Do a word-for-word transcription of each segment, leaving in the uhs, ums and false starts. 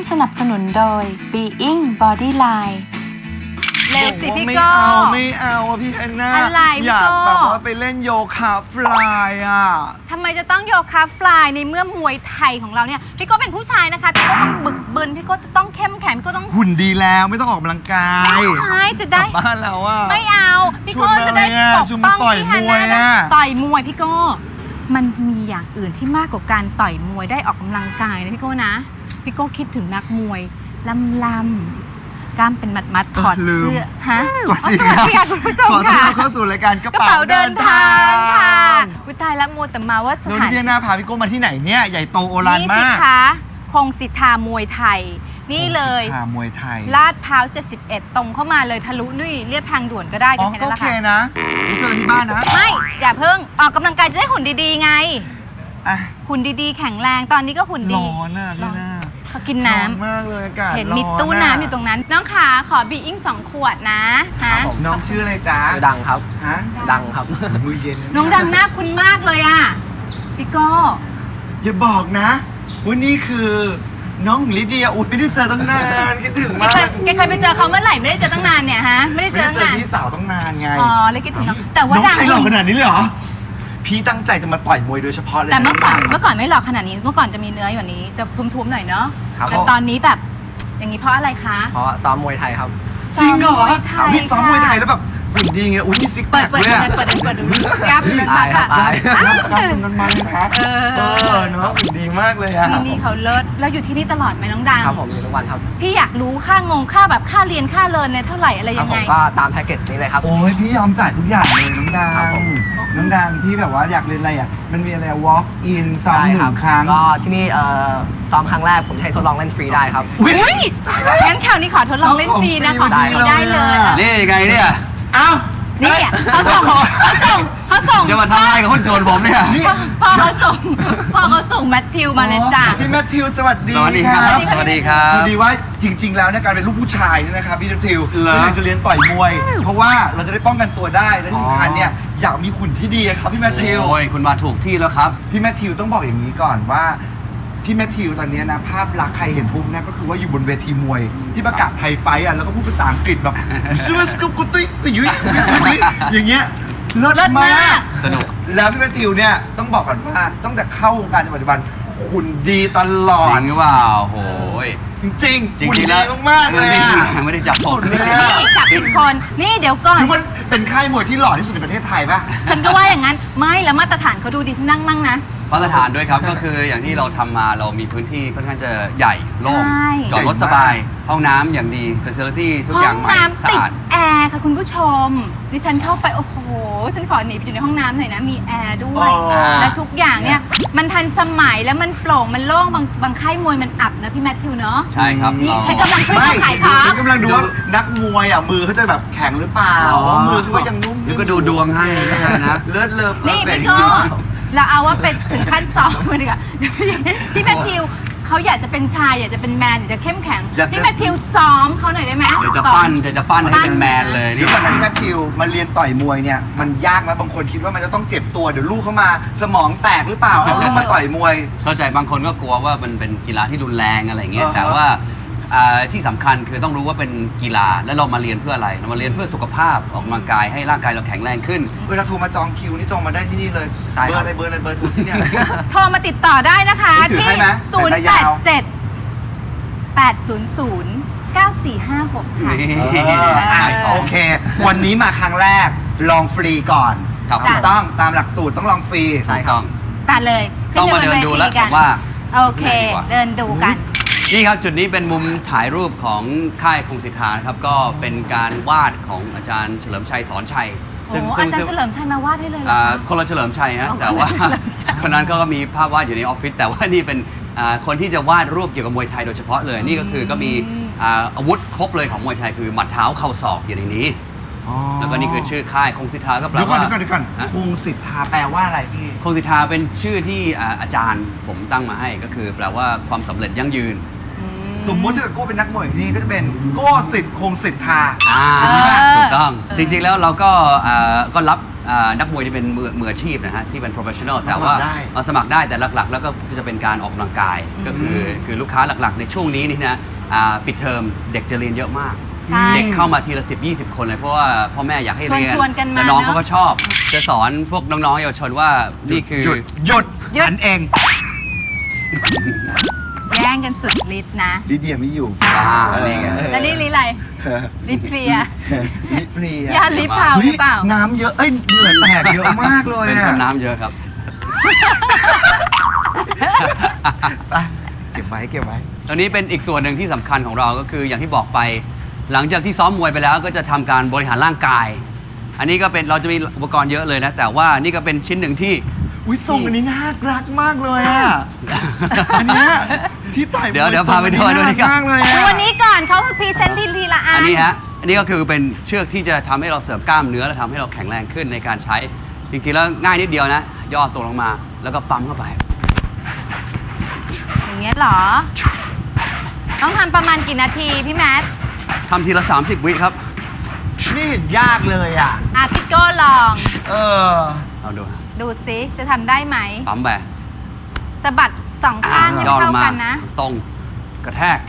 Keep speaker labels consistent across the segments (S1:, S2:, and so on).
S1: สนับสนุนโดย Being Bodyline
S2: เร็วสิพี่
S3: ไม่
S2: โก้
S3: เอาไม่เอาอะพี่แอนนา
S2: อะไรพี่
S3: อยาก
S2: โก้
S3: แบบว่าไปเล่นโยคะฟลายอ่ะ
S2: ทำไมจะต้องโยคะฟลายในเมื่อมวยไทยของเราเนี่ยพี่โก้เป็นผู้ชายนะคะพี่โก้ต้องบึกบึนพี่โก้จะต้องเข้มแข็งพี่โก้ต้อง
S3: หุ่นดีแล้วไม่ต้องออกกำลังกาย
S2: ไม่ใช่จะ
S3: ก
S2: ได้
S3: ลับบ้านแล้วอ่ะ
S2: ไม่เอาพี่โก้
S3: ชวนมา
S2: จะได้
S3: เลยอะ
S2: ปก
S3: ชวน
S2: ป้
S3: มา
S2: อง
S3: ต่อย
S2: พี่ฮัน
S3: มวย
S2: นะ
S3: อะ
S2: ต่อยมวยพี่โก้มันมีอย่างอื่นที่มากกว่าการต่อยมวยได้ออกกำลังกายนะพี่โก้นะพี่โก้คิดถึงนักมวยลำลำกล้ามเป็นมัดมัดๆถอด
S3: ลืม
S2: เสื้อฮะ
S3: สวัส
S2: อ๋อ
S3: ดี
S2: สวัสดีค่ะคุณผู้ชม
S3: ขอต้อน
S2: ค่ะ
S3: รับเข้าสู่รายการกระ
S2: กระ
S3: เป๋า
S2: เป๋า
S3: เดิ
S2: เดิ
S3: น
S2: น
S3: ทา
S2: ทาง
S3: ง
S2: ค่ะวิตายละมัวแต่มาว่าส
S3: แล้ว
S2: ถา
S3: นี่
S2: น
S3: พี่แอนนาพาพี่โก้มาที่ไหนเนี่ยใหญ่โตโอฬาร
S2: นี่สิ
S3: มาก
S2: คะคงสิทธามวยไทย นี่เลย
S3: พามวยไทย
S2: ลาดพร้าวเจ็ดสิบเอ็ดตรงเข้ามาเลยทะลุนี่เรียบทางด่วนก็ได้
S3: อ๋
S2: กั
S3: อน
S2: แค่
S3: ก็
S2: นั้น
S3: โอ
S2: แหละ
S3: เค
S2: ค่ะ
S3: นะไปเจอกันที่บ้านนะ
S2: ไม่อย่าเพิ่งออกกำลังกายจะได้หุ่นดีๆไง
S3: อ่ะ
S2: หุ่นดีๆ แข็งแรงตอนนี้ก็หุ่นดี
S3: ร้อนอ่ะพี่หน้า
S2: เขากินน้ำ
S3: ร้อนมากเลยอากาศ
S2: เห็น
S3: ร้
S2: มีตู้น้ำอยู่ตรงนั้น น้องขาขอบีอิงสองขวดนะฮะ
S3: น้องชื่ออะไรจ๊ะ
S4: ชื่อดังครับ
S3: ฮะ
S4: ดังครับ
S3: มือเย็นเลยะ
S2: น้องดังหน้าคุณมากเลยอ่ะพี่โก้
S3: อย่าบอกนะว่านี่คือน้องลิเดียอุดไม่ได้เจอตั้งนานคิดถึง
S2: แก
S3: มาก
S2: เคยแกเคยไปเจอเขาเมื่อไหร่ไม่ได้เจอตั้งนานเนี่ยฮะไม่ได้
S3: ไม่
S2: เจอ
S3: ได้
S2: ตั้ง
S3: เจอ
S2: นาน
S3: พี่สาวตั้งนานไง
S2: อ๋อเลยคิดถึงน้องแต่ว่า
S3: น้อง
S2: ดัง
S3: ใครหล่อขนาดนี้เลยเหรอพี่ตั้งใจจะมาต่อยมวยโดยเฉพาะเลย
S2: แต่เมื่อก่อน
S3: นะ
S2: เมื่อก่อนไม่หล่อขนาดนี้เมื่อก่อนจะมีเนื้ออยู่นี้จะทุ้มๆหน่อยเนาะ
S4: ครับ
S2: แต่ตอนนี้แบบอย่างนี้เพราะอะไรคะ
S4: เพราะซ้อมมวยไทยครับ
S3: จริงเหรอ
S2: ซ้อมมวยไทย
S3: พี่ซ้อมมวยไทยแล้วแบบหุ่นดีไงอุ้ยมีซิกแพ
S2: เปิด
S3: ค
S2: เปิด
S3: เลย
S2: เปิ
S3: อะ
S2: ดเปิดเปิดดูกราฟเป็น
S4: ตายครับ
S2: อะ
S4: ตาย
S3: รับรับคุณมันมันนะ
S2: เออ
S3: เออเนาะหุ่นดีมากเลยอะ
S2: ที่นี่เขาเลิศแล้วอยู่ที่นี่ตลอดไหมน้องดัง
S4: ครับผมอยู่ทุกวันครับ
S2: พี่อยากรู้ค่างงค่าแบบค่าเรียนค่าเลินเนี่ยเท่าไหร่อะไร
S4: ครั
S2: ยั
S4: บ
S2: ง
S4: ผ
S2: ไง
S4: มก็ตามแพ็กเกจนี้เลยครับ
S3: โอ้ยพี่ยอมจ่ายทุกอย่างเลยน้องดั
S4: ครับ
S3: ง
S4: ผม
S3: น้องดังพี่แบบว่าอยากเรียนอะไรอ่ะมันมีอะไร walk in ซ้อม
S4: ได้
S3: ห
S4: ครั
S3: นึ่งครั้ง
S4: ก็ที่นี่เอ่อซ้อมครั้งแรกผมจะให้ทดลองเล่นฟรีได้ครับ
S3: อุ้ย
S2: อุ้ยงั้นคราวนี้ขอทดลองเล่นฟรีนะขอ
S3: ได้
S2: ฟรีได้เลย
S3: เลยอะ
S5: นี่ไงเนี่ย
S3: เอ้า
S2: นี่เขาส่งเขาส่งเขาส่ง
S5: จะมาทำอะไรกับคนส่วนผมเนี่ย
S3: นี่
S2: พอเขาส่งพอเขาส่งแมทธิวมาเลยจ้ะ
S3: พี่แมทธิวสวัสดี
S5: สวัสดีครับ สวัสดีครั
S3: พ
S5: บ
S3: อดีว่าจริง ๆ แล้วเนี่ยการเป็นลูกผู้ชายเนี่ยนะครับพี่แมทธิว
S5: เหรอ
S3: ก็อยากจะเรียนต่อยมวย เพราะว่าเราจะได้ป้องกันตัวได้และที่สำคัญเนี่ยอยากมีหุ่นที่ดีอะครับพี่แมทธิว
S5: โอ้ยคุณมาถูกที่แล้วครับ
S3: พี่แมทธิวต้องบอกอย่างนี้ก่อนว่าพี่แมทธิวตอนนี้นะภาพลักษณ์ใครเห็นปุ๊บนะก็คือว่าอยู่บนเวทีมวย ที่ประกาศไทยไฟท์อ่ะแล้วก็พูดภาษาอังกฤษแบบชื่อสกุปกุตุยกุยุยอย่างเงี้ยเลิศ
S2: เลิศ
S3: มาม
S2: าก ก
S5: สนุก
S3: แล้วพี่แมทธิวเนี่ยต้องบอกก่อนว่าตั้งแต่เข้าวงการจนปัจจุบันหุ่นดีตลอ
S5: จ
S3: ด
S5: ริงหรือเปล่าโอ้ย
S3: จริงๆ
S5: จ
S3: หุ่น
S5: ริงๆ
S3: ดี
S5: แล้ว
S3: มากๆเลยอะ
S5: ไม่ได้จับผม
S3: สุดเลย
S2: นี่
S3: อะ
S2: จับผิดคน นี่เดี๋ยวก่อน
S3: ถือว่าเป็นค่ายมวยที่หล่อที่สุดในประเทศไทยป่ะ
S2: ฉันก็ว่าอย่างนั้น ไม่แล้วมาตรฐานเขาดูดีฉันนั่งมั่งนะ
S5: มาตรฐานด้วยครับ ก็คืออย่างที่เราทำมาเรามีพื้นที่ค่อนข้างจะใหญ่โล่ง
S2: ใช่
S5: จอดรถสบาย ห้องน้ำอย่างดี facility ทุก
S2: ห้
S5: อ
S2: อย่าง
S5: ใหม่
S2: น้ำ
S5: สะ
S2: ติด
S5: อาด
S2: แอร์ค่ะคุณผู้ชม ดิฉันเข้าไป โอ้โห ฉันขอหนีไปอยู่ในห้องน้ำหน่อยนะ มีแอร์ด้วย
S3: อ๋อ
S2: และทุกอย่างเนี่ย มันทันสมัยแล้วมันโปร่ง มันโล่ง บางบางค่ายมวยมันอับนะพี่แมทธิวเนาะ
S5: ใช่ครับ
S2: นี่
S5: เรา
S2: ฉันกำลังช่วย
S3: ไม่
S2: เขาขายของ
S3: ฉันกำลังดูว่านักมวยอ่ะมือเขาจะแบบแข็งหรือเปล่า
S5: อ๋อ
S3: มือเขาก็ยังนุ่ม
S5: เดี๋ยวก็ดูดวงให้นะ
S3: เลิศเลิศ
S2: นี่
S3: เลิศ
S2: พี่
S3: จ
S2: โก้
S3: ริง
S2: เราเอาว่าเป็นถึงขั้นสองเลยดีกว่าเดี๋ยวพี่พี่แมทธิวเขาอยากจะเป็นชายอยากจะเป็นแมนอยากจะเข้มแข็งพี่แมทธิวซ้อมเขาหน่อยได้ไหม
S5: เดี๋ยวจะ
S2: ซ้อม
S5: ปั้นเดี๋ยวจะปั้นให้เป็นแมนเลย
S3: เดี๋
S5: นี่
S3: ยวก่อนนะพี่แมทธิวมาเรียนต่อยมวยเนี่ยมันยากไหมบางคนคิดว่ามันจะต้องเจ็บตัวเดี๋ยวลูกเข้ามาสมองแตกหรือเปล่าเอาลูกมาต่อยมวย
S5: เข้าใจบางคนก็กลัวว่ามันเป็นกีฬาที่รุนแรงอะไรเงี้ย
S3: อ่าฮะ
S5: แต่ว่าอ่าที่สำคัญคือต้องรู้ว่าเป็นกีฬาแล้วเรามาเรียนเพื่ออะไรเรามาเรียนเพื่อสุขภาพออกกำลังกายให้ร่างกายเราแข็งแรงขึ้น
S3: เวลาโทรมาจองคิวนี่ตรงมาได้ที่นี่เลย
S4: ใช่
S3: เบอ
S4: ครั
S3: ร์
S4: บ
S3: อะไรเบอร์อะไรเบอร์โทรที่เนี่ย
S2: โทรมาติดต่อได้นะคะ
S3: ถือ
S2: ที่
S3: ให้ไหม
S2: ศูนย์
S3: สาย
S2: แป
S3: ตา
S2: ด
S3: ยาว
S2: เจ็ด แปดศูนย์ศูนย์ เก้าสี่ห้าหกค่ะ
S5: นี่
S3: เอออ่ะโอเค วันนี้มาครั้งแรกลองฟรีก่อน
S5: ครับ
S3: ถูกต้องตามหลักสูตรต้องลองฟรี
S5: ใช่ครับ
S2: ตัดเลย
S5: ต้องมาเดินดูแล้วผมว่า
S2: โอเค เดินดูกัน
S5: นี่ครับจุดนี้เป็นมุมถ่ายรูปของค่ายคงสิทธานะครับก็เป็นการวาดของอาจารย์เฉลิมชัยสอนชัย
S2: โอ้อาจารย์เฉลิมชัยมาวาดให้เลยเหรอ
S5: อ่า
S2: คะ
S5: คนละเฉลิมชัยฮะ
S2: อ๋อ
S5: แต่ว่า
S2: คนละเฉลิมชัย
S5: คนนั้นเขาก็มีภาพวาดอยู่ในออฟฟิศแต่ว่านี่เป็นอ่าคนที่จะวาดรูปเกี่ยวกับมวยไทยโดยเฉพาะเลยนี่ก็คือก็มีอ่าอาวุธครบเลยของมวยไทยคือหมัดเท้าเข่าศอกอยู่ในนี้ แล้วก็นี่คือชื่อค่ายคงสิทธาก็แปล
S3: เดี๋ยวก่อน
S5: ว่า
S3: เดี๋ยวก่อนเดี๋ยวก่อน
S5: ฮะ
S3: คงสิทธาแปลว่าอะไรพี่
S5: คงสิทธาเป็นชื่อที่อ่าอาจารย์ผมตั้งมาให้ก็คือแปลว่าความสำเร็จยั่งยืน
S2: อื
S3: สมมติถ้าเกิดโก้เป็นนักมวยที่นี่ก็จะเป็นโก้สิทธิ์คงสิทธา
S5: อ่า
S2: เออ
S5: ถูกต้องจริงๆแล้วเราก็อ่าก็รับอ่านักมวยที่เป็นมือมืออาชีพนะฮะที่เป็น professional แต่
S3: มาสมั
S5: ว่า
S3: ครได้
S5: มาสมัครได้แต่หลักๆ แล้วก็จะเป็นการออกกำลังกาย ก็คือคือลูกค้าหลักๆ ในช่วงนี้นี่นะอ่าปิดเทอมเด็กจะเรียนเยอะมาก
S2: ใช่
S5: เด็กเข้ามาทีละสิบยี่สิบคนเลยเพราะว่าพ่อแม่อยากให้เรียน
S2: ชวนๆกันมา
S5: แต่น้อง
S2: เนอะ
S5: เขาก็ชอบ จะสอนพวกน้องๆเยาวชนว่านี่คือ
S3: หยุดหยุด
S2: หยุด
S3: ฉันเอง
S2: แย่งกันสุดฤทธิ์นะ
S3: ลิเดียไม่อยู่
S5: อ่า
S3: เออ
S5: นี่ไง
S2: แล้วนี่ลิอะไรลิเพลีย
S3: ลิเพลีย
S2: ยาลิเผาหรือเปล่า
S3: น้ำเยอะเอ้ยเหงื่อแตกเยอะมากเลย
S5: เป็น
S3: อะ
S5: คนน้ำเยอะครับ
S3: ไปเก็บไว้เก็บไว้
S5: ตอนนี้เป็นอีกส่วนหนึ่งที่สำคัญของเราก็คืออย่างที่บอกไป หลังจากที่ซ้อมมวยไปแล้วก็จะทำการบริหารร่างกาย อันนี้ก็เป็นเราจะมีอุปกรณ์เยอะเลยนะ แต่ว่านี่ก็เป็นชิ้นหนึ่งที่
S3: อุ้ยทรงอันนี้น่ารักมากเลยอ่ะ อันเนี้ยที่ต่อยม
S5: เดี๋ยวเดี๋ยวพาไปดูดูนี่
S3: น่ารักมากเลย
S2: ดู
S3: อ่ะ
S2: วันนี้ก่อนเขาพรีเซนต์ทีทีละอัน
S5: อันนี้ฮะ อันนี้ก็คือเป็นเชือกที่จะทำให้เราเสริมกล้ามเนื้อและทำให้เราแข็งแรงขึ้นในการใช้ จริงๆแล้วง่ายนิดเดียวนะ ย่อตัวลงมาแล้วก็ปั๊มเข้าไป
S2: อย่างเงี้ยเหรอ ต้องทำประมาณกี่นาทีพี่แมท
S5: ทำทีละ สามสิบ วิครับ
S3: ไม่เห็นยากเลยอ่ะ
S2: อ่ะพี่โก้ลอง
S3: เออ
S5: เอาดูฮะ
S2: ดูซิจะทำได้ไหม
S5: ปั๊มไป
S2: สะบัดสองข้างให้
S5: ย่อล
S2: เท่าง
S5: มา
S2: กันนะ
S5: ตรงกระแทก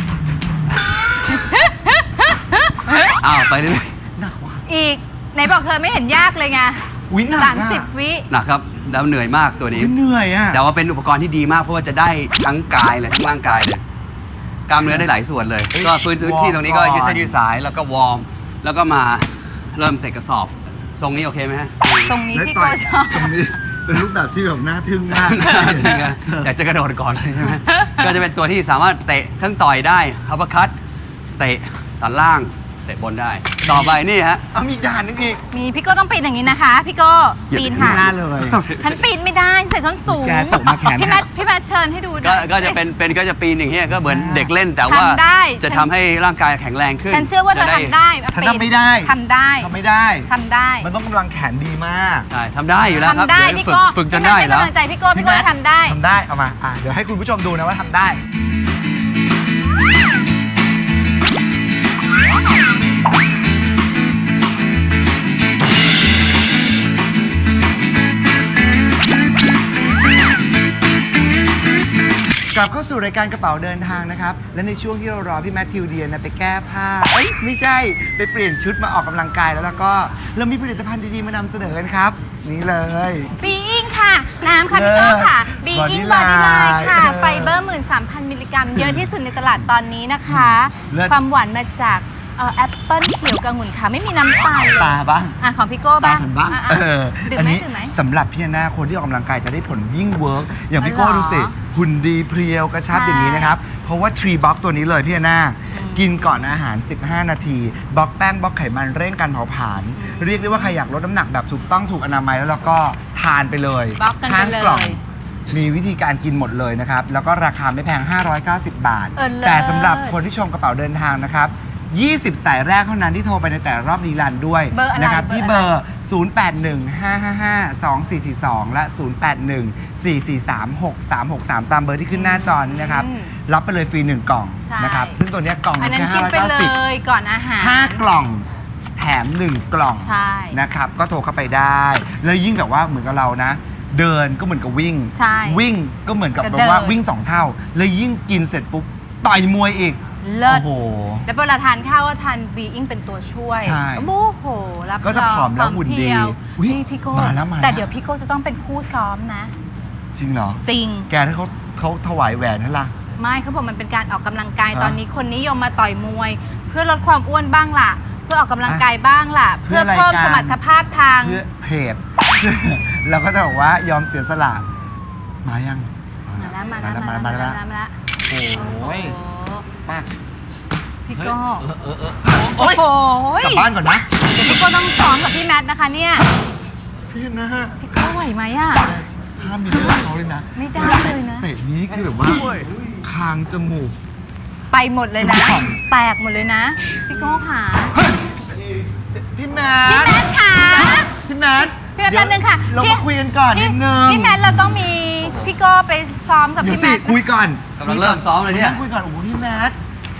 S5: อ้าวไปเรื่อย
S3: หนักว่ะ
S2: อีกไหนบอกเธอไม่เห็นยากเลยไง
S3: อุ้ยหนัก
S2: สาม
S3: อ่ะ
S2: สิบวิ
S5: ๆหนักครับแล้วเหนื่อยมากตัวนี้
S3: อุ๊ยเหนื่อยอ่ะ
S5: แต่ว่าเป็นอุปกรณ์ที่ดีมากเพราะว่าจะได้ทั้งกายเลยทั้งร่างกายเลย กล้ามเนื้อได้หลายส่วนเลย
S3: เฮ้ย
S5: ก็พื้นที่ตรงนี้ก็
S3: วอร์มก่อน
S5: ยืดเส้นยืดสายแล้วก็วอร์มแล้วก็มาเริ่มเตะกระสอบ ทรงนี้โอเคไหมฮะ
S2: ตรงนี้
S3: และ
S2: พี่
S3: ต่
S2: โก้
S3: อย
S2: ชอบ
S3: ตรงนี้เป็นรูปแบบที่แบบน่าทึ่งมาก
S5: จริงอะอยากจะกระโดดก่อนเลยใช่ไหมก็จะเป็นตัวที่สามารถเตะทั้งต่อยได้อัปเปอร์คัตเตะตัดล่างเตะบนได้ ต่อไปนี่ฮะ
S3: เอามีอีกด่านนึงอีก
S2: มีพี่โก้ต้องปีนอย่างนี้นะคะ พี่โก้ปีนค่ะ
S3: หน้าเลย
S2: ฉันปีนไม่ได้ใส่ส้นสูง
S3: แกตกมาแขน
S2: พี่แมทพี่แมทเชิญให้ดูหน่
S5: ก็
S2: อย
S5: ก็จะเป็นเป็นก็จะปีนอย่างเงี้ยก็เหมือนเด็กเล่นแต่ว่า
S2: ทำได้
S5: จะทำให้ร่างกายแข็งแรงขึ้น
S2: ฉันเชื่อว่าเธอ
S5: จะ
S2: ทำได้
S3: ฉัน
S2: ปี
S3: ทำไม่ได้
S2: ทำได้
S3: ทำไม่ได้
S2: ทำได้
S3: มันต้องกำลังแขนดีมาก
S5: ใช่ทำได้อยู่แล้วครับ
S2: ทำได้
S5: เดี๋ยว
S2: พี่
S5: ฝึก
S2: โก้
S5: ฝึกจนได้
S2: พี่
S5: แล้ว
S2: แมทให้กำลังใจพี่โก้พี่โก้ทำได้
S3: ทำได้ เอามาอ่ะเดี๋ยวให้คุณผู้ชมดูนะว่าทำได้ กลับเข้าสู่รายการกระเป๋าเดินทางนะครับ และในช่วงที่เรารอพี่แมทธิวเดียนนะไปแก้ผ้า เอ้ยไม่ใช่ ไปเปลี่ยนชุดมาออกกำลังกายแล้วแล้วก็เรามีผลิตภัณฑ์ดีๆมานำเสนอกันครับ นี่เลย
S2: บีอิงค่ะ น้ำค่ะพี่โก้ค่ะบีอิงบอ
S3: Body
S2: ดี้ไล
S3: Line
S2: น์ค่ะ
S3: เออ
S2: ไฟเบอร์หมื่นสามพันมิลลิกรัม เยอะที่สุดในตลาดตอนนี้นะคะ
S3: เลิศ
S2: ความหวานมาจากเอ่อแอปเปิ้ลเขียวกับองุ่นค่ะไม่มีน้ำตาลเลย
S3: ตาบ้าง
S2: อ่ะของพี่โก้
S3: ตา
S2: บ้าง
S3: ฉันบ้าง
S2: อ่ะ
S3: เอ
S2: อ่ะ
S3: อ
S2: ดื่ม
S3: อัน
S2: ไหม
S3: นี้
S2: ดื่มไหม
S3: สำหรับพี่หน้าคนที่ออกกำลังกายจะได้ผลยิ่งเวิร์กอย่างพี่
S2: อ๋อเหรอ
S3: โก้ดูสิหุ่นดีเพรียวกระชับ
S2: ใช่
S3: อย่างนี้นะครับ เพราะว่าทรีบ็อกตัวนี้เลยพี่หน้า
S2: อืม
S3: กินก่อนอาหาร สิบห้า นาทีบล็อกแป้งบล็อกไขมันเร่งการเผาผลาญ
S2: อืม
S3: เรียกได้ว่าใครอยากลดน้ำหนักแบบถูกต้องถูกอนามัยแล้วเราก็ทานไปเลย
S2: บล็อกกันไป
S3: ทาน
S2: เลย
S3: กล่องมีวิธีการกินหมดเลยนะครับ แล้วก็ราคาไม่แพง ห้าร้อยเก้าสิบ บาท
S2: เออเลิศ
S3: แต่สำหรับคนที่ชมกระเป๋าเดินทางนะครับยี่สิบ สายแรกเท่านั้นที่โทรไปในแต่ละรอบรีลันด้วย
S2: เบอร์อะไร
S3: นะครับ
S2: เบอร์
S3: ที่
S2: อะไร
S3: เบอร์ ศูนย์ แปด หนึ่ง ห้า ห้า ห้า สอง สี่ สี่ สอง และ ศูนย์ แปด หนึ่ง สี่ สี่ สาม หก สาม หก สาม ตามเบอร์ที่ขึ้นหน้าจอนี้นะครับ
S2: อืม
S3: รับไปเลยฟรีหนึ่งกล่อง
S2: ใช่
S3: นะครับ ซึ่งตัวเนี้ยกล่อง
S2: อันนั้น
S3: แค่
S2: กินไป
S3: ห้าร้อย
S2: เล
S3: เก้าสิบ
S2: ยก่อนอาหาร
S3: ห้ากล่องแถมหนึ่งกล่อง
S2: ใช่
S3: นะครับก็โทรเข้าไปได้ แล้วยิ่งแบบว่าเหมือนกับเรานะ เดินก็เหมือนกับวิ่ง
S2: ใช่
S3: วิ่งก็เหมือนกับ
S2: ก็
S3: แบบว่า
S2: เดิน
S3: วิ่งสองเท่า แล้วยิ่งกินเสร็จปุ๊บต่อยมวยอีก
S2: เลิศ
S3: โอ้โห
S2: แล้วเวลาทานข้าวก็ทานบีอิงเป็นตัวช่วย
S3: ใช่
S2: โอ้โหรับ
S3: ก็จะ
S2: รอง
S3: ผอมแล้วหุ่นดี
S2: เพรียว
S3: อุ๊ย
S2: นี่พี่โก้
S3: มาแล้วมาแล้ว
S2: แต่เดี๋ยวพี่โก้จะต้องเป็นคู่ซ้อมนะ
S3: จริงเหรอ
S2: จริง
S3: แกถ้าเขาเขาถวายแหวนให้ล่ะ
S2: ไม่เขาบอกมันเป็นการออกกำลังกาย
S3: ฮะ
S2: ตอนนี้คนนิยมมาต่อยมวย เพื่อลดความอ้วนบ้างล่ะ เพื่อออกกำลังกายบ้างล่ะ
S3: เพื่
S2: เพื่
S3: อ
S2: อ
S3: รายการ
S2: เพิ่มสมรรถภาพทาง
S3: เพื่อเพจ เราก็จะบอกว่ายอมเสียสละมายัง
S2: มาแล้วมาแล้ว
S3: มา
S2: มา
S3: แล้ว
S2: แล้ว
S3: มา
S2: มา
S3: แล้ว
S2: แล้ว
S3: มา
S2: มา
S3: แล้ว
S2: แล้ว
S3: โอ้ย
S2: โอ้โห
S3: มาก
S2: พี่โก้
S3: เออเออเออ
S2: โอ้
S3: โอ้ย
S2: โห
S3: กลับบ้านก่อนนะ
S2: เดี๋ยวพี่โก้ต้องซ้อมกับพี่แมทนะคะเนี่ย
S3: พี่นะ
S2: พี่โก้ไหวไหมอ่ะ
S3: ห้ามมีเรื่องเขาเลยนะ
S2: ไม่ได้เลยนะ
S3: เตะนี้คือแบบว่าคางจมูก
S2: ไปหมดเลยนะ แตกหมดเลยนะ พี่โก้ค่ะ
S3: พี่แม
S2: พี่
S3: ท
S2: แมทค่ะ
S3: พี่แมท
S2: พี่แมทแป๊บนึงค่ะ
S3: เรา
S2: พี่
S3: มาคุยกันก่อนนิดนึง
S2: พี่แมทเราต้องมีพี่โก้ไปซ้อมกับ
S3: เดี๋ยว
S2: พี่
S3: สิ
S2: แมท
S3: คุยก่อน
S5: กำลังเริ่มซ้อมเลยเนี่ย
S3: คุยก่อนโอ้โหพี่แมทแถ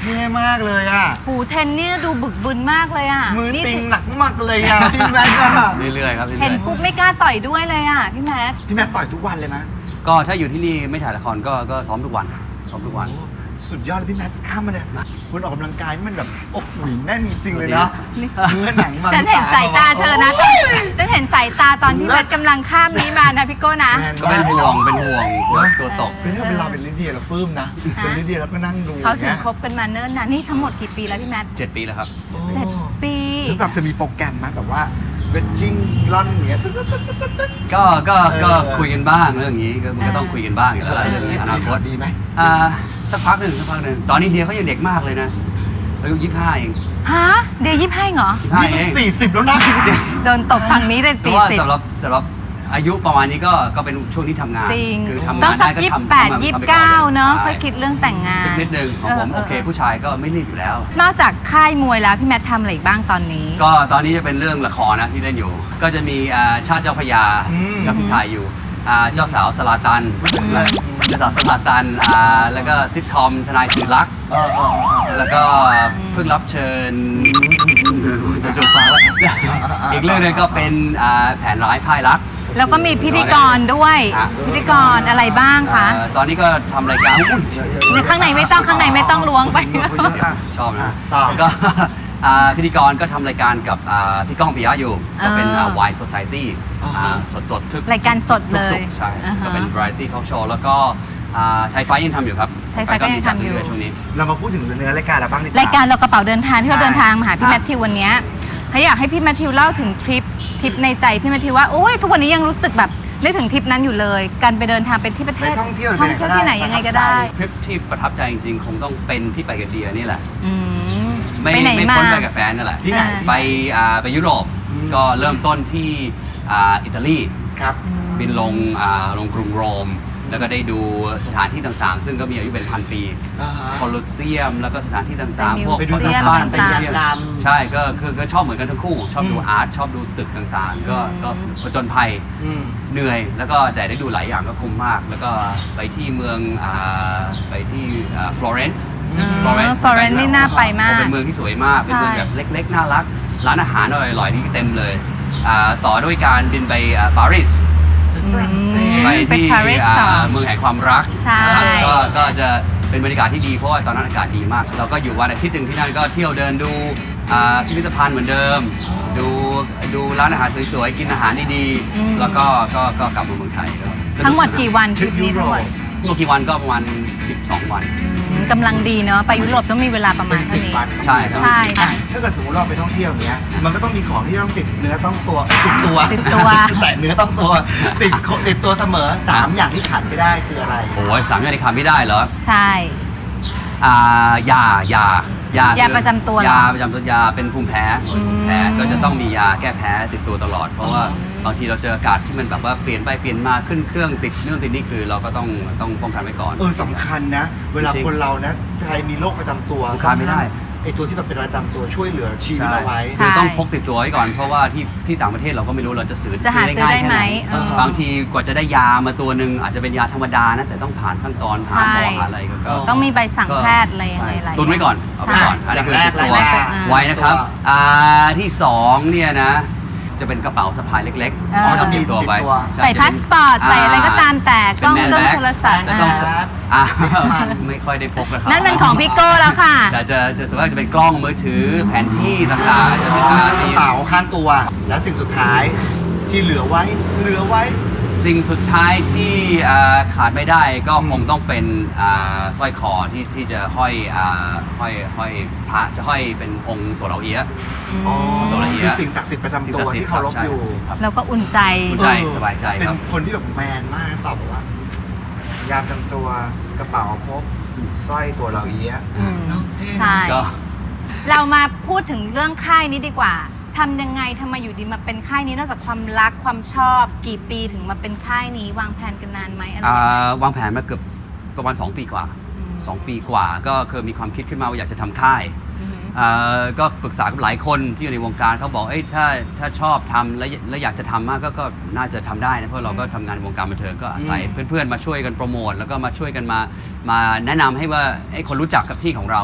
S3: ท่มากเลยอ่ะ
S2: หูเทนเนี่ยดูบึกบึนมากเลยอ่ะ
S3: มือ
S2: นี่
S3: ติงหนักมากเลยอ่ะ พี่แม็กซ์อะ
S5: เรื่อยๆครับเรื่
S2: เห็
S5: อน ย
S2: ปุ๊บไม่กล้าต่อยด้วยเลยอ่ะพี่แม็ก
S3: พี่แม็กซ์ต่อยทุกวันเลยไหม
S5: ๆก็ถ้าอยู่ที่นี่ไม่ถ่ายละครก็ก็ซ้อมทุกวันซ้อมทุกวัน
S3: สุดยอดเลยพี่แม็กซ์ข้ามมาเลยคุณออกกำลังกายนี่มันแบบโอ้โหแน่นจริงๆเลยเนาะเนื้อหนังมัน
S2: ฉันเห็นสายตาเธอนะฉันเห็นสายตาตอนที่แม็กกำลังข้ามนี้มานะพี่โก้นะ
S3: แมน
S5: ก็เป็นห่วงเป็นห่วงกลัวตัวตก
S3: เป็นถ้าเป็นเราเป็นลิเดียเราปลื้มนะ เป็นลิเดียเราก็นั่งดู
S2: เขาถึง
S3: นี่ย
S2: คบกันมาเนิ่นนานนี่ทั้งหมดกี่ปีแล้วพี่แม็ก
S5: เจ็ดปีแล้วครับ
S2: เจ็ดปี
S3: แล้วแบบจะมีโปรแกรมไหมแบบว่าเวดดิ้งร่อนอย่างเงี้ยตึ๊ดตึ๊ดตึ๊ดตึ๊ดตึ๊ด
S5: ก็ก็
S3: เออ
S5: ก็คุยกันบ้างเรื่องนี้ก็มันก็ต้องคุยกันบ้างอยู่แล้วล่ะเรื่องนี้อนาคต
S3: ดีไหม
S5: อ่าสักพักหนึ่งสักพักหนึ่งตอนนี้เดียเขายังเด็กมากเลยนะอายุยี่สิบห้าเอง
S2: ฮะเดี๋ยวยิบให้เหรอ
S5: ยี่สิบห้า
S3: นี่
S5: เอ
S3: ต้อง
S5: ง
S3: สี่สิบแล้วนะ
S2: โดนตบฝั่งนี้เลย
S5: แต่
S2: สี่
S5: ว่า
S2: สิบ
S5: สำหรับสำหรับอายุประมาณนี้ก็ก็เป็นช่วงที่ทำงาน
S2: จริง
S5: คือทำ
S2: ต้อง
S5: งาน
S2: สั
S5: ได้
S2: ก
S5: ก็
S2: ยี่สิบ
S5: ทำ
S2: แปด
S5: ทำ
S2: ยี่สิ
S5: ทำ
S2: บ
S5: ไป
S2: เก้า
S5: ก่อน
S2: เนาะ
S5: ใช่
S2: ค่อยคิดเรื่องแต่งงาน
S5: สักนิดหนึ่งของผม
S2: เออเออ
S5: โอเค ผู้ชายก็ไม่รีบอยู่แล้ว
S2: นอกจากค่ายมวยแล้วพี่แมททำอะไรอีกบ้างตอนนี้
S5: ก็ตอนนี้จะเป็นเรื่องละครนะที่เล่นอยู่ ก็จะมีอ่าชาติเจ้าพระยา
S3: อืม
S5: กับพี่ถ่ายอยู่อ่าเจ้าสาวสลาตันเจ้าสาวสลาตันอ่าแล้วก็ซิทคอมทนายสื่อรัก
S3: เออเออเออ
S5: แล้วก็เพิ่งรับเชิญจะจบฟังแล้วอีกเรื่องหนึงก็เป็นอ่าแผนร้ายพ่ายรัก
S2: แล้วก็มีพิธีกรด้วย
S5: ฮะ
S2: พิธีกรอะไรบ้างคะ
S5: เอ่อตอนนี้ก็ทำรายการอุ้ย
S2: ในข้างในไม่ต้องข้างในไม่ต้องล้วงไป
S5: ชอบนะ
S3: ต่อ
S5: แล้วก็ อ่าพิธีกรก็ทำรายการกับอ่าพี่ก้องปิยะอยู่ ก็เป็น
S2: อ่า
S5: วายโซซายตี้สดสดๆทุก
S2: รายการสดเลย
S5: ทุกศุกร์ใช่
S2: อ่าฮะ
S5: ก็เป็น variety talk show แล้วก็อ่าชายไฟยังทำอยู่ครับ
S2: ชายไฟก็ยังทำอยู่
S5: มีจัดเรื่ๆช่วงนี้
S3: เรามาพูดถึงเนื้อรายการเราบ้างดีกว่
S2: รายการเรากระเป๋าเดินทางที่เรา
S3: ใช่
S2: เดินทางมาหาพี่
S5: ครับ
S2: แมทธิววันเนี้ยเขาอยากให้พี่แมทธิวเล่าถึงทริปทริปในใจพี่แมทธิวว่าโอ้ยทุกวันนี้ยังรู้สึกแบบนึกถึงทริปนั้นอยู่เลย การไปเดินทางไปที่ประเท
S3: ไป
S2: ศ
S3: ท่องเที่ยว
S2: ท่องเที่ยวที่ไหนยังไงก็ได้
S5: ทริปที่ประทับใจจริงๆ คงต้องเป็นที่ไปกับเดียนี่แหละ
S2: อืม
S5: ไม่
S2: ไปไหน
S5: ไม่
S2: มา
S5: พ้นไปกับแฟนนั่นแหละ
S3: ที่ไหน
S5: ไปอ่าไปยุโรป
S3: อืม
S5: ก็เริ่มต้นที่อ่าอิตาลี
S3: ครับ
S5: บินลงอ่าลงกรุงโรม แล้วก็ได้ดูสถานที่ต่างๆ ซึ่งก็มีอายุเป็นพันปี
S3: อ่าฮะ
S5: โคลอสเซียม แล้วก็สถานที่ต่าง
S2: ไป
S5: ๆ พวก
S3: ไปดู
S2: มิวเซียม
S3: สะพาน
S2: ต่างๆ
S3: ไปเยี่ยม ม
S5: ใช่ก็คือก็ชอบเหมือนกันทั้งคู่ ชอบดู
S3: อืม
S5: อาร์ตชอบดูตึกต่างๆ ก็
S2: อืม
S5: ก็ผจญภัย
S3: อืม
S5: เหนื่อย แล้วก็แต่ได้ดูหลายอย่างก็คุ้มมาก แล้วก็ไปที่เมืองอ่าไปที่ฟลอเรนซ์
S2: อืม Florence นี่น่าไปมาก
S5: เป็นเมืองที่สวยมาก เป็นเมือง
S2: ใช่
S5: แบบเล็กๆ น่ารัก ร้านอาหารอร่อยๆนี่เต็มเลยอ่าต่อด้วยการบินไปอ่าปารีส
S3: ฝรั่งเศส
S5: ไป
S2: ไป
S5: ที่
S2: ปารีสต่อ
S5: อ่าเมืองแห่งความรัก
S2: ใช่
S5: นะครับก็ก็จะเป็นบรรยากาศที่ดีเพราะว่าตอนนั้นอากาศดีมาก เราก็อยู่วันอาทิตย์หนึ่งที่นั่นก็เที่ยวเดินดูอ่าพิพิธภัณฑ์เหมือนเดิม ดูดูร้านอาหารสวยๆ กินอาหารดี
S2: อืม
S5: ๆ แล้วก็ก็ก็กลับมาเมืองไทยก็สนุ
S2: ทั้งหมดกี่วันท
S3: ทริ
S2: ริป
S3: ป
S2: นี้
S3: ยุโรป
S2: ทั้งหมด
S5: ทั้งหมดกี่วันก็ประมาณสิบสองวัน
S2: อืมกำลังดีเนาะไปยุโรปต้องมีเวลาประมา
S3: เป็
S2: ณ
S3: น
S2: เท่า
S3: สิบ
S2: นี้
S3: วัน
S5: ใช่ครับ
S2: ใช่
S3: อ่ะถ้าเกิดสมมติเราไปท่องเที่ยวอย่างเงี้ย มันก็ต้องมีของที่ต้องติดเนื้อต้องตัวเอ้ยติดตัว
S2: ติดตัว
S3: แต่เนื้อต้องตัว ติดโคติดตัวเสมอสามอย่างที่ขาดไม่ได้คืออะไร
S5: โอ้ยสามอย่างที่ขาดไม่ได้เหรอ
S2: ใช่
S5: อ่ายายายาย
S2: าประจำตัวเหรอ
S5: ยาประจำตัวยาเป็นภูมิแพ้ภูมิแพ้
S2: อืม
S5: ก็จะต้องมียาแก้แพ้ติดตัวตลอด เพราะว่าบางทีเราเจออากาศที่มันแบบว่าเปลี่ยนไปเปลี่ยนมาขึ้นเครื่องติดเรื่องติดนี่คือเราก็ต้องต้องป้องกันไว้ก่อน
S3: เออสำคัญนะ เวลา
S5: จริง
S3: คนเรานะใครมีโรคประจำตัว
S5: ขาดไม่ได้
S3: ไอตัวที่แบบเป็นประจำตัวช่วยเหลือชีวิต
S5: ใช่
S3: เราไว้
S2: ใช่
S5: คือต้องพกติดตัวไว้ก่อนเพราะว่าที่ที่ต่างประเทศเราก็ไม่รู้เราจะซื้อ
S2: จะหาซื้อได้ไหม
S5: แค่
S2: เออ
S5: บางทีกว่าจะได้ยามาตัวหนึ่งอาจจะเป็นยาธรรมดานะแต่ต้องผ่านขั้นตอนหาหมอ
S2: ใช่
S5: หาอะไรก็ก็
S2: ต้องมีใบสั่งแพทย์อะไรยังไงหลาย
S5: ตุนไว้ก่อนเอาไว้ก่อน
S2: ใช่
S5: อันนี้คือ
S3: อย่างแรก
S5: ติดตัว
S3: แรก
S5: ไว้นะครับ
S3: ตัว
S5: อ่าที่สองเนี่ยนะจะเป็นกระเป๋าสะพายเล็ก
S2: เออ
S5: ๆจะติดตัวไว้
S3: ติดตัว
S5: ช่
S2: ใส่
S5: จะ
S2: พา
S5: เป็น
S2: สปอร์ตใส่อะไรก็ตามแต่กล้อง
S5: เป็น
S2: เครื่อง
S5: แมนแบ็ค
S2: โทรศัพท์
S5: แต่ต้อง
S2: เออ
S5: อ่าไม่ค่อยได้พกนะครับ
S2: นั่นมันของพี่โก้แล้วค่ะ
S5: แต่จะจะส่วนมากจะเป็นกล้องมือถือแผนที่ต่างๆจะเป็น
S3: ก
S5: อ่า
S3: ระ
S5: ที่
S3: เป๋าข้างตัว และสิ่งสุดท้ายที่เหลือไว้ เหลือไว้
S5: สิ่งสุดท้ายที่อ่าขาดไม่ได้ก็คงต้องเป็นอ่าสร้อยคอที่ที่จะห้อยอ่าห้อยห้อยพระจะห้อยเป็นองค์ตัวเราเอียะ
S3: อ๋อ
S5: ตัวละเอียด
S3: คือสิ่งศักดิ์สิทธิ์ประจำตัวที่เคารพอยู่
S5: ครับ
S2: เราก็อุ่นใจ
S5: อุ่นใจสบายใจครับ
S3: เป็นคนที่แบบแมนมากตอบบอกว่ายามจำตัวกระเป๋าพกสร้อยตัวเราเอี้ยะ
S2: อืม
S3: เนอะเท่นะ
S2: ใช่
S5: ก็
S2: เรามาพูดถึงเรื่องค่ายนี้ดีกว่าทำยังไงทำไมอยู่ดีมาเป็นค่ายนี้นอกจากความรักความชอบกี่ปีถึงมาเป็นค่ายนี้วางแผนกันนานไหมอะไรยังไง
S5: อ่าวางแผนมาเกือบประมาณสองปีกว่า
S2: อืม
S5: สองปีกว่า ก็เคยมีความคิดขึ้นมาว่าอยากจะทำค่าย
S2: อืม
S5: อ่าก็ปรึกษากับหลายคนที่อยู่ในวงการเขาบอกเอ้ยถ้าถ้าชอบทำและและอยากจะทำมากก็ก็น่าจะทำได้นะเพราะเราก็ทำงานในวงการบันเทิงก็อาศัย
S3: อืม
S5: เพื่อนๆมาช่วยกันโปรโมทแล้วก็มาช่วยกันมามาแนะนำให้ว่าให้คนรู้จักกับที่ของเรา
S2: อืม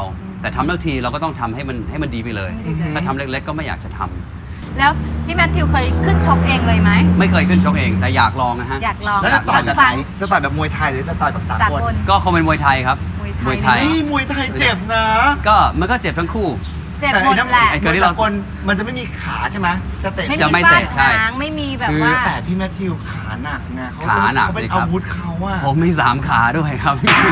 S5: แต่ทำทั้งทีเราก็ต้องทำให้มันให้มันดีไปเลย
S2: ให้มันดีเลย
S5: ถ้าทำเล็กๆก็ไม่อยากจะทำ
S2: แล้วพี่แมทธิวเคยขึ้นชกเองเลยไหม
S5: ไม่เคยขึ้นชกเองแต่อยากลองนะฮะ
S2: อยากลอง
S3: แล้วจะต่อยแบบ
S2: ค
S3: ไหน
S2: รั้ง
S3: จะต่อยแบบมวยไทยหรือจะต่อยแบบสา
S2: จาก
S3: กล
S2: คน
S5: ก็คงเป็นมวยไทยครับ
S2: มวยไทย
S3: นี่มวยไทยเจ็บนะ
S5: ก็มันก็เจ็บทั้งคู่
S2: เจ็บ
S3: แต่
S2: หมด
S3: ไอ้น้ำ
S2: แหละ
S3: ไอ้
S5: เกิ
S3: ม
S5: ด
S3: วย
S5: ที่เรา
S3: สากลมันจะไม่มีขาใช่ไหมจะเตะ
S2: ไม่
S5: จะ
S2: มี
S5: ไม่
S2: ฟา
S5: เตะ
S2: ด
S5: ใช่
S2: หางไม่มีแบบ
S3: คือ
S2: ว่า
S3: แต่พี่แมทธิวขาหนักไงเขา
S5: ขาหนัก
S3: เขาเป็น
S5: สิครับ
S3: อาวุธเขาอะ
S5: ผมมีสามขาด้วยครับ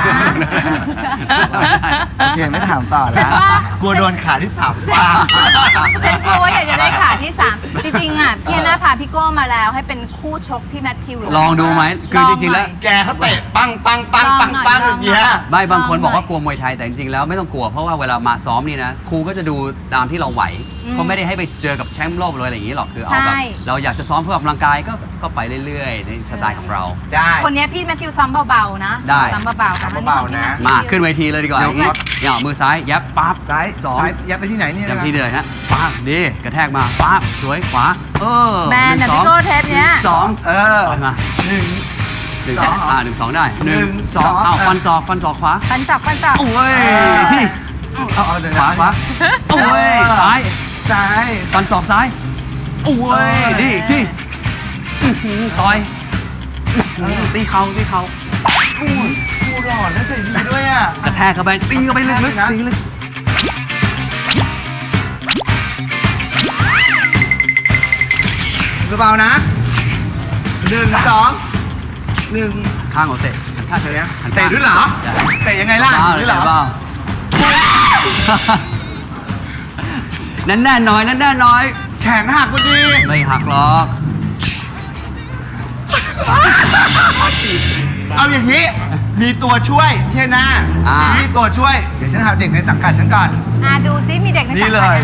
S3: โอเคไม่ถามต่อ
S2: ฉั
S3: แล้
S2: น
S3: ว
S2: ว่า
S3: กลัวโดนขาที่สาม ฟาด
S2: ฉันกลัวว่าอยากจะได้ขาที่สามจริงๆอ่ะพี่แอนนาพาพี่โก้มาแล้วให้เป็นคู่ชกพี่แมทธิว
S5: ลองดูไหมคือจริงๆแล้ว
S3: แกเขาเตะปังปังปังปังปังอย่างเงี้ย
S5: ไม่บางคนบอกว่ากลัวมวยไทยแต่จริงๆแล้วไม่ต้องกลัวเพราะว่าเวลามาซ้อมนี่นะครูก็จะดูตามที่เราไหวเขาไม่ได้ให้ไปเจอกับแชมป์โลกเลยอะไรอย่างนี้หรอกคือเอาแบบเราอยากจะซ้อมเพื่อออกกำลังกายก็ก็ไปเรื่อยๆในสไตล์ของเรา
S3: ได้
S2: คนนี้พี่แมทธิวซ้อมเบาๆนะ
S5: ได้
S2: ซ้อมเบาๆค่ะ
S3: ซ้อมเบาๆนะ
S5: มาขึ้นเวทีเลยดีกว่า
S3: เดี๋
S5: อ
S3: ยว
S5: ย่างนี้เนี่ยมือซ้ายยับปั๊บ
S3: ซ้าย
S5: สอง
S3: ซ้ายยับไปที่ไหนนี่
S5: อย่าง
S3: นะ
S5: ที่เลยฮะปั๊บดีกระแทกมาปั๊บสวยขวาเออ
S2: แมน
S5: ห
S2: นะ
S5: งสอ
S2: พี่
S5: ง
S2: โก้เทปเนี้ย
S5: สอง
S3: เออ
S5: ไปมา
S3: หนึ่ง
S5: หนึ่ง
S3: สอง
S5: อ่าหนึ่งสองได้หนึ่ง
S3: หนึ่ง
S5: สอง
S3: สอง
S5: อ้าว
S3: เออ
S5: ฟันศอกฟันศอกขวา
S2: ฟันจอกฟันจอก
S5: โอ้ย
S3: เออ
S5: ที่
S3: เอาเอาเดี๋ยว
S5: ขวาขวาโอ้ยซ้าย
S3: ซ้าย
S5: ฟันศอกซ้ายโอ้ย
S3: เออ
S5: ดีที่อื้อหือต่อยอื้อหือตีเข่าตีเข่า
S3: อู้กูหล่อและใจดีด้วยอ่ะ
S5: กระแทกเข้าไปตีเข้าไปลึก
S3: นะ
S5: ๆตีลึก
S3: เบาๆนะหนึ่งสองหนึ่ง
S5: ข้างของเตะหันข้าง
S3: เตะ
S5: หันข้าง
S3: เตะด้วยเหรอ
S5: ได้
S3: เตะยังไงล่ะ
S5: เบาๆ
S3: ด้วยเหรอ
S5: เบาๆนั่นแน่นๆหน่อยนั่นแน่นๆหน่อย
S3: แขนหักพอดี
S5: ไม่หักหรอก
S3: เอาอย่างนี้ มีตัวช่วยเที่ยหน้า
S5: อ่า
S3: มีตัวช่วย เดี๋ยวฉันหาเด็กในสังกัดฉันก่อน
S2: อ่ะดูซิมีเด็กใน
S3: นี่
S2: สัง
S3: เล
S2: กัด
S3: ย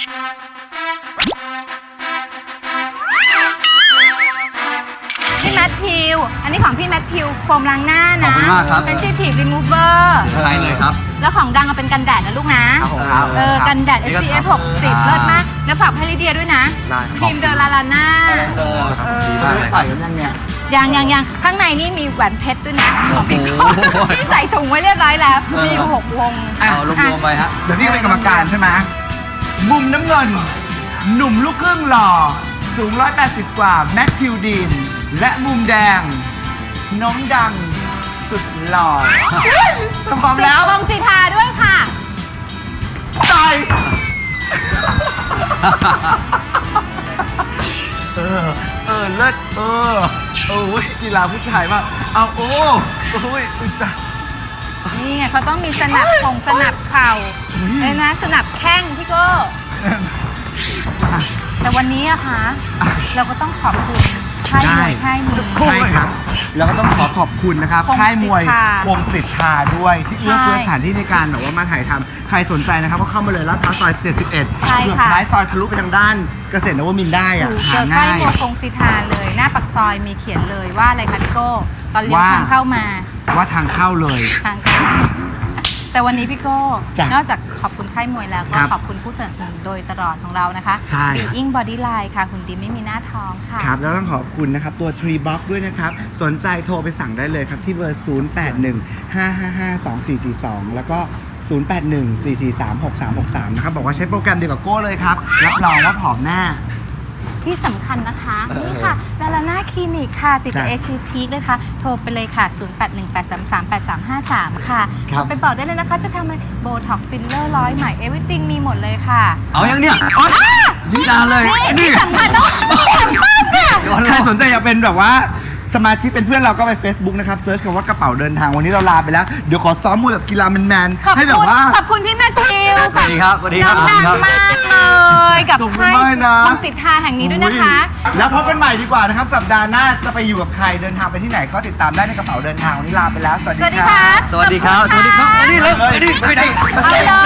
S2: พี่แมทธิว อันนี้ของพี่แมทธิวโฟมล้างหน้า
S5: ขอบ
S2: นะ
S5: คุณมากครับ
S2: Sensitive Remover
S5: ใช่เลยครับ
S2: แล้วของดังเอาเป็นกันแดดนะลูกนะ
S3: ครับผมครับ
S2: เออ กันแดด
S5: นี่
S2: เอส
S5: ก็
S2: พี เอฟ
S5: ครับ
S2: หกสิบ เลิศมาก แล้วฝากให้ลิเดียด้วยนะ
S3: ได้
S2: ครีมเดอลาลาน่า เออ
S3: ดีมากเลยใส่กันยังเนี่ย
S2: ยังยังยังข้างในนี่มีแหวนเพชรด้วยนะของพี่โก้
S5: โอ้โห
S2: ที่ใส่ถุงไว้เรียบร้อยแล้ว มีอยู่หกวง
S5: เอารวมๆไปฮะ
S3: เดี๋ยวพี่เป็นกรรมการใช่ไหมมุมน้ำเงิน หนุ่มลูกครึ่งหล่อ สูงหนึ่งร้อยแปดสิบกว่าแม็กทิวดีน และมุมแดง น้องดัง สุดหล่อพร้อมแล้ว
S2: วงสีทาด้วยค่ะ
S3: ตายเออ เออ เลิศเออโอ้ยกีฬาผู้ชายมากเอาโอ้โอ้ยอุ๊ยตาย
S2: นี่ไงเขาต้องมีสนับของสนับเข่า
S3: อุ๊ย
S2: เลยนะ สนับแข้งพี่โก้ แต่วันนี้อะคะ เราก็ต้องขอบคุณค่ายมวยค่ายนี้
S3: ใช่ครับ แล้วก็ต้องขอขอบคุณนะครับ
S2: พงศิษฐา
S3: ค่ายมวยพงศิษฐาด้วย ที่เอื้อเฟื้อ
S2: ใช่
S3: สถานที่ในการแบบว่ามาถ่ายทำใครสนใจนะครับก็เข้ามาเลยลาดพร้าวซอย เจ็ดสิบเอ็ด
S2: ใช่
S3: เกือบ
S2: ค่ะ
S3: ท้ายซอยทะลุไปทางด้านเกษตรนวมินทร์ได้อะ
S2: ถูก
S3: หา
S2: เจอค่า
S3: ง่าย ย
S2: มวยคงสิทาเลย หน้าปักซอยมีเขียนเลยว่าอะไรคะพี่โก้ ตอนเลี้ยว
S3: ว่า
S2: ทางเข้ามา
S3: ว่าทางเข้าเลย
S2: ทางเข้าแต่วันนี้พี่โก้
S3: จ้ะ
S2: นอกจากขอบคุณค่ายมวยแล้วก็
S3: ครับ
S2: ขอบคุณผู้สนับสนุนโดยตลอดของเรานะคะ
S3: ใช่
S2: Being Bodyline ค่ะหุ่นดีไม่มีหน้าท้องค่ะ
S3: ครับ แล้วต้องขอบคุณนะครับตัว Tree Box ด้วยนะครับ สนใจโทรไปสั่งได้เลยครับ ที่เบอร์ ศูนย์ แปด หนึ่ง ห้า ห้า ห้า สอง สี่ สี่ สอง แล้วก็ ศูนย์ แปด หนึ่ง สี่ สี่ สาม หก สาม หก สาม นะครับ บอกว่าใช้โปรแกรมเดียวกับโก้เลยครับ รับรองว่าผอมแน่
S2: ที่สำคัญนะคะ
S3: เออ
S2: นี่ค่ะดาราน่าคลินิกค่ะ ติดกับ
S3: จ้ะ
S2: เอชทีเลยค่ะ โทรไปเลยค่ะ ศูนย์ แปด หนึ่ง แปด สาม สาม แปด สาม ห้า สาม ค่ะ
S3: ครับ
S2: โทรไปบอกได้เลยนะคะ จะทำอะไรโบท็อกฟิลเลอร์ร้อยใหม่เอวิติงมีหมดเลยค่ะ
S5: เอายังเนี่ยอ๋อนี่นานเลย
S2: นี่ที่สำคัญต้องสำคัญค่ะ
S3: ใครสนใจอยากเป็นแบบว่าสมาชิกเป็นเพื่อนเราก็ไป Facebook นะครับเซิร์ชคำว่ากระเป๋าเดินทางวันนี้เราลาไปแล้ว เดี๋ยวขอซ้อมมวยแบบกีฬาแมน
S2: ขอบ
S3: ๆให้แบ
S2: คุ
S3: บ
S2: ณ
S3: ว่า
S2: ขอบคุณพี่แมทธิว
S5: สวัสดีครับสวัสดีครับ
S2: น้องดัง
S5: สวัสดีครับ
S2: มากเลยกับ
S3: ขอบคุณ
S2: ค่าย
S3: มากนะ
S2: คงสิทธาแห่งนี้ด้วยนะคะ
S3: อุ๊ยแล้วพบกันใหม่ดีกว่านะครับ สัปดาห์หน้าจะไปอยู่กับใครเดินทางไปที่ไหนก็ติดตามได้ในกระเป๋าเดินทางวันนี้ลาไปแล้ว สวัสดี
S2: สวัสดี
S3: ค
S2: ค่ะ
S3: รับ
S5: สวัสดีครับ สวัสดีครับมานี่เลยมานี่ไปไหน
S2: เอาเลย